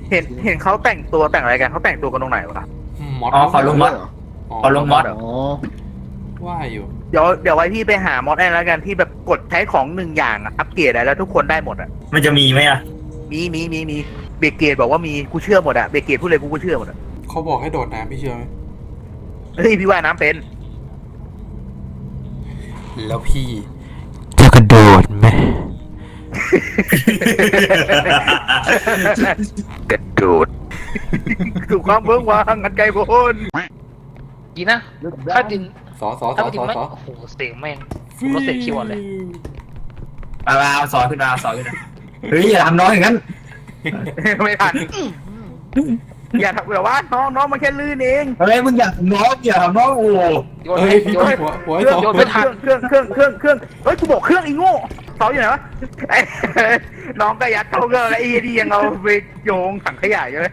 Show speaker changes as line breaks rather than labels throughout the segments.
เห็นเขาแต่งตัวแต่งอะไรกันเขาแต่งตัวกันตรงไหนวะ
มอด
อ๋อขอลงมอดขอลงมอด
อ๋อ
ว่าอยู่
เดี๋ยวไว้พี่ไปหามอดแอนแล้วกันที่แบบกดใช้ของหนึ่งอย่างอะอัปเกรดได้แล้วทุกคนได้หมดอะ
มันจะมีไหมอ่ะ
มีเบเกตบอกว่ามีกูเชื่อหมดอะเบเกตพูดเลยกูเชื่อหมดอะ
เขาบอกให้โดดน้ำพี่เชื่อไหม
เฮ้ยพี่ว่ายน้ำเป็น
แล้วพี่จะกระโดดไหม
กระโดดถูกความเบื้องวางกันไกลโพ้น
ดีนะถ้าดิน
สอ
ถ้าดินไม่โอ้โหเสียงแม่งผมก็เสียงคิวอ่อนเลย
เอาสอนขึ้นมาเฮ้ยอย่าทำน้องอย่างนั้น
ไม่ทันอย่าทำแบบว่าน้องมันแค่ลื่นเอง
เฮ้ยมึงอย่าทำน้องโอ้
โยน
เฮ้
ให้
ยพี่
โยนให้
หัวไอ้
เครื่
ส
อง
อ
โยนไม่ทัน
เครื่องเฮ้ยกูบอกเครื่องอีโง่เสาอยู่ไหนวะไอ้น้องก็ยัดเข้าเครื่องแล้วไอ้ดียังเอาไปโยงถังขยะอยู่เลย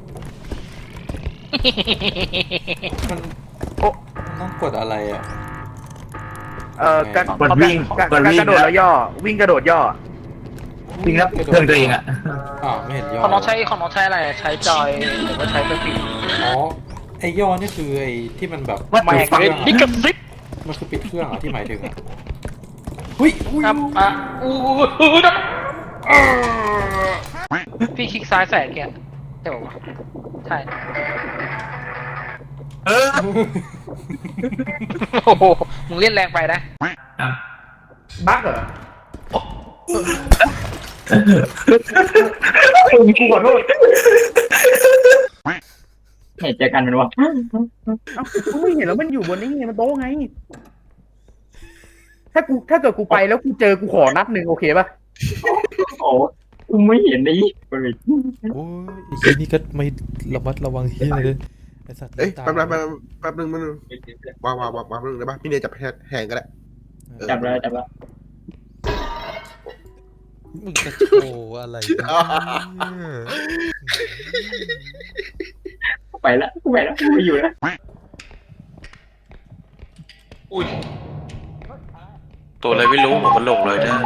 มันต้องกดอะไรอ่ะ
การ
กดวิ่ง
กระโดดแล้วย่อวิ่งกระโดดย่อ
วิ่งแล้วเครื่องตัวเองอ่ะ
อ้าวไม่เห็นย่อ
ของน้องใช้อะไรใช้จอยหรือว่าใช้เป็นปิด
อ๋อไอ้ย่อนี่คือไอ้ที่มันแบบ
แม่งเลยนี่กระซิบ
มันคือปิดเครื่องอ่ะที่หมายถึงอ่ะหุ้ย
ครับพี่คลิกซ้ายใส่แกใช่ป่าวใช่
เออ
โอ้โหมึงเล่นแรงไปนะ
บั๊กเหรอ
กูขอโทษเห็นเจอกันเป็นวะ
เอ้ากูไม่เห็นแล้วมันอยู่บนนี้ไงมันโต๊ะไงถ้าเกิดกูไปแล้วกูเจอกูขอนัดหนึ่งโอเคป่ะ
โอ้กูไม่เห็นไอ้
โอ้ยไอ้เหี้ยนี่ก็ไม่ระมัดระวังเฮียเลยไอ้สัตว์
เอ้ย
ตา
แป๊บนึงวางนึงได้ปะพี่เนยจับแหงก็ได้
จับแล้ว
มึงจะโชว์อะไรเนี่ย
ไปแล้วกูไม่อยู่แล้ว
อุ้ยตัวอะไรไม่รู้ผมมันหลงเลยนะ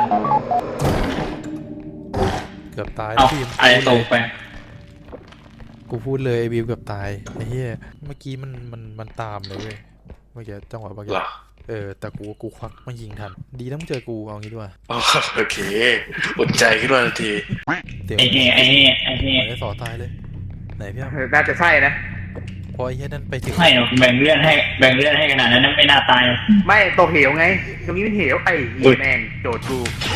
เกือบตาย
เอา
พี่
อะไรตกไป
กูพูดเลยไอ้บิวเกือบตายไอ้เหี้ยเมื่อกี้มันตามเลยเว้ยเมื่อกี้จังหวะเมื่อกี้
เหรอ
แต่กูควักมายิงทันดีนะมึงเจอกูเอางี้ด้วย
อ๋อโอเคอุ่นใจขึ้นมาทันที
เดี๋ยว
ไอ้เหี้ย
ไอ้สอตายเลยไหนพี่อ้ำ
น่าจะใช่นะ
พอไอ้เหี้ยนั่นไปถึง
ไม่หรอกแบ่งเลือดให้ขนาดนั้นไม่น่าตาย
ไม่ตกเหวไงตรงนี้เป็นเหวไอ้เหี้ยแม่งโจทย์กู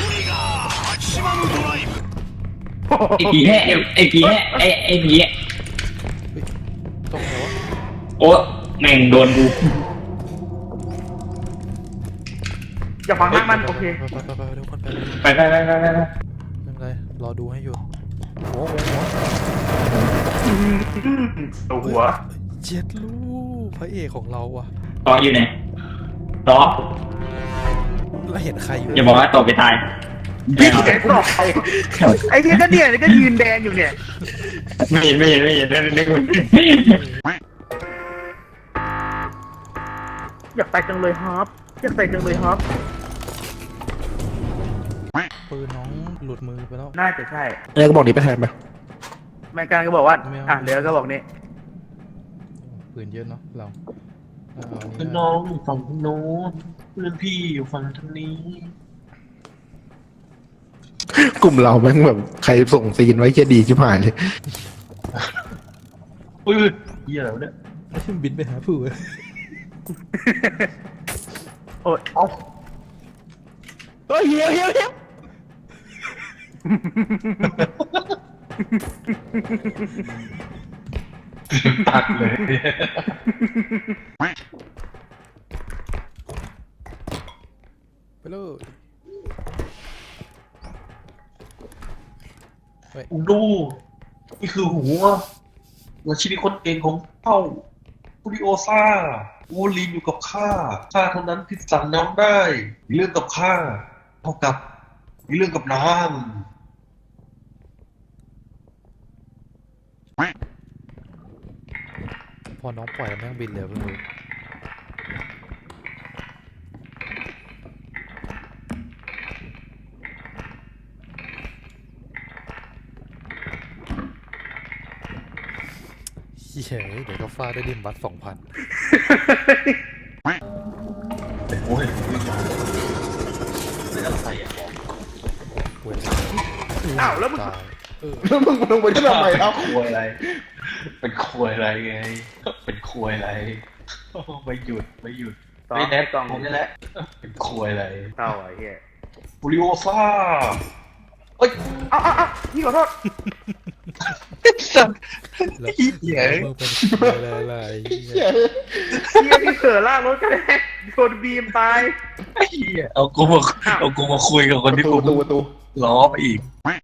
ไอ้ผีแห่ไอ้ผี
ตรงไหนวะ
โอ้แม่งโดนกู
อย่าฟังมากมันโอเค
ไปเดี๋ยวคนไป
ไป
ไม่เป็นไรรอดูให้อยู่หัว
ตัวหัว
เจ็ดลูกพระเอกของเราอ่ะ
ต่ออยู่ไหนต่อ
แล้วเห็นใครอยู่
อย่าบอกว่าต่อไปตาย
พี่เห็นต่อไปไอ้เหี้ยก็เนี่ยก็ยืนแดงอยู่เนี่ย
ไม่เห็นนึก
อยากตายจังเลยครับอยากตายจังเลยครับ
ปืนน้องหลุดมือไปแล้ว
น่าจะใช่
เนยก็บอกนี้ไปแทนไป
แม่การก็บอกว่า
ไม่เอา
อ่ะเดี๋ยวก็บอกนี่
ปืนเยอะเนาะเราเอาอัน
คือ
นี้
น้องอยู่ฝั่งโน้นเพื่อนพี่อยู่ฝั่งทางนี้
กลุ่มเราแม่งแบบใครส่งซีนไว้แค่ดีชิบหายเลย
อุ้ยเหี้ยแล้วเนี่ย
ไม่ใช่บินไปหาผู้เว้ย
โอ้ยเอา
เฮ้ยเฮีย
ตัดเลย
ไปเลย
ดูนี่คือหัวชีวิตคนเก่งของเผ่าฟูริโอซ่าโอลินอยู่กับข้าเท่านั้นที่สั่งน้ำได้มีเรื่องกับข้าเท่ากับมีเรื่องกับน้ำ
พอน้องปล่อยแล้วแม่งบินเลยเพิ่งรู้เฮ้ยเดี๋ยวก็ฟาดได้ดิมบัต2,000
โอ้ยเป็นอะไรอ่ะ
เว้ย
อ้าวแล้วมึง
ตาย
แล้วมึงลงไปที่ทำไมครับ
ควยอะไร เป็นควยอะไรไง เป็นควยอะไรไม่หยุดไม่หยุดไม่แน่ตองนี่แหละเป็นควยอะไร
เศร้าไอ้เหี้ย
บูริโอซ่าเอ้ย
เอาพี่ขอโทษ
สัตว์
แล้ว
เหี้ย
มึงเป็นอะไร
เหี้ย
พี่พี่เสือลากรถกันเลยโดนบีมตาย
ไอ้เหี้ยเอากูมาคุยกับคนที่กู
ประตู
ล้อไปอีก